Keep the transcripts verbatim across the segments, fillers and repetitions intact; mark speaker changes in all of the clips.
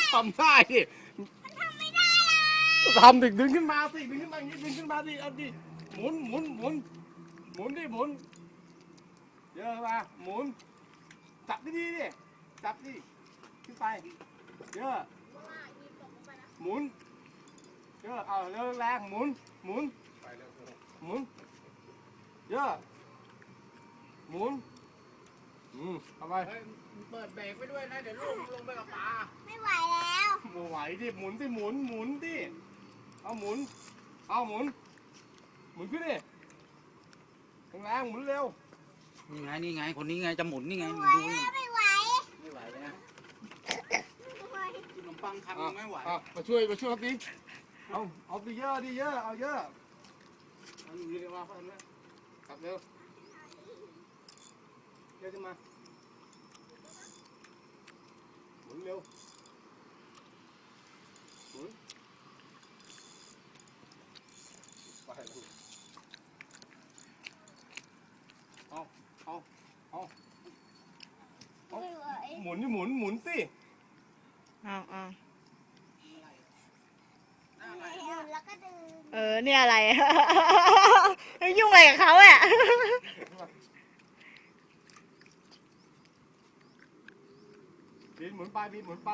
Speaker 1: ทำได้ดิ
Speaker 2: มันทำไม่ได้หรอก
Speaker 1: ทำดิดึงขึ้นมาสิดึงขึ้นมาอย่างนี้ดึงขึ้นมาดิเอาดิหมุนหมุนหมุนหมุนดิหมุนเยอะมาหมุนจับดีดีดิจับดิขึ้นไปเยอะหมุนเยอะเอาเร็วแรงหมุนหมุนหมุนเยอะหมุนอืมเอาไป
Speaker 3: เปิดเบรกไปด้วยนะเดี๋ยวลูกลงไปกับปลา
Speaker 2: ไม่ไหวแล้ว
Speaker 1: ไม่ไหวดิหมุนสิหมุนหมุนดิเอาหมุนเอาหมุนหมุนขึ้นดิแรงๆหมุนเร็ว
Speaker 3: นี่ไงนี่ไงคนนี้ไงจะหมุนนี่ไง
Speaker 2: ไม่
Speaker 3: ดู
Speaker 2: ไหว
Speaker 3: นี่
Speaker 2: แล้วไม่ไหว
Speaker 3: ไม่ไหวเลยนะ
Speaker 2: ไม่ไหว
Speaker 3: กินขนมปังคำ
Speaker 1: อ่ะ
Speaker 3: ไม่ไหว
Speaker 1: อ่ะมาช่วยมาช่วยดิเอาเอาดิเยอะดิเยอะเอาเยอะเอาอยู่ดีมาเพิ่มนะกลับเร็วเยอะขึ้นมาหมุนเร็วหมุนไปลูกเอาเอาเอาเอา
Speaker 2: ไม่ไหว
Speaker 1: หมุนนี่หมุนหมุนสิ
Speaker 4: อ้าวอ้าว
Speaker 2: แล้วก็ดึง
Speaker 4: เออเนี่ยอะไร ยุ่งอะไรกับเขาอ่ะ
Speaker 1: บินหมุนไปบินหมุนไป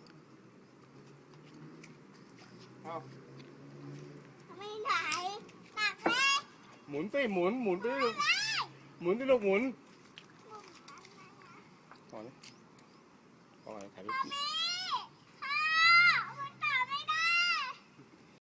Speaker 1: เอา
Speaker 2: ไม่ไหวหนักไหม
Speaker 1: หมุนสิหมุนหมุนไปลูกหมุนสิลูกหมุนพอแล้วพอแล้วถ่ายรูป